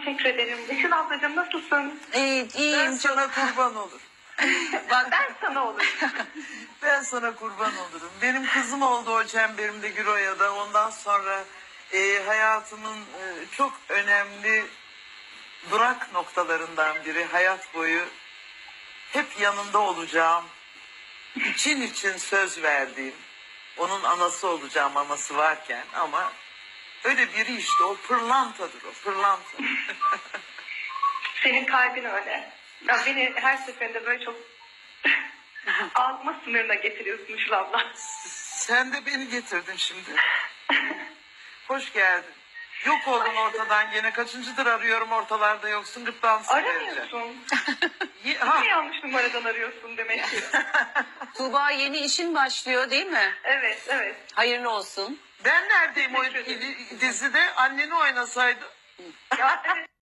teşekkür ederim. Işıl ablacığım nasılsın? İyiyim Ben sana kurban olurum. Bak Ben sana olurum. Ben sana kurban olurum. Benim kızım oldu o çemberimde Güroya'da. Ondan sonra hayatımın çok önemli durak noktalarından biri. Hayat boyu hep yanında olacağım. İçin söz verdiğim. Onun anası olacağım anası varken ama öyle biri işte o pırlantadır o pırlanta. Senin kalbin öyle. Ya beni her seferinde böyle çok ağzıma sınırına getiriyorsun Işıl abla. Sen de beni getirdin şimdi. Hoş geldin. Yok oldun ortadan gene. Kaçıncıdır arıyorum ortalarda yoksun. Gırtlağını sıkıvereceğim. Aramıyorsun. Ha, Ne yanlış numaradan arıyorsun demek ki. Tuğba yeni işin başlıyor değil mi? Evet, evet. Hayırlı olsun. ben neredeyim o Teşekkür ederim. dizide? Anneni oynasaydı. Ya evet.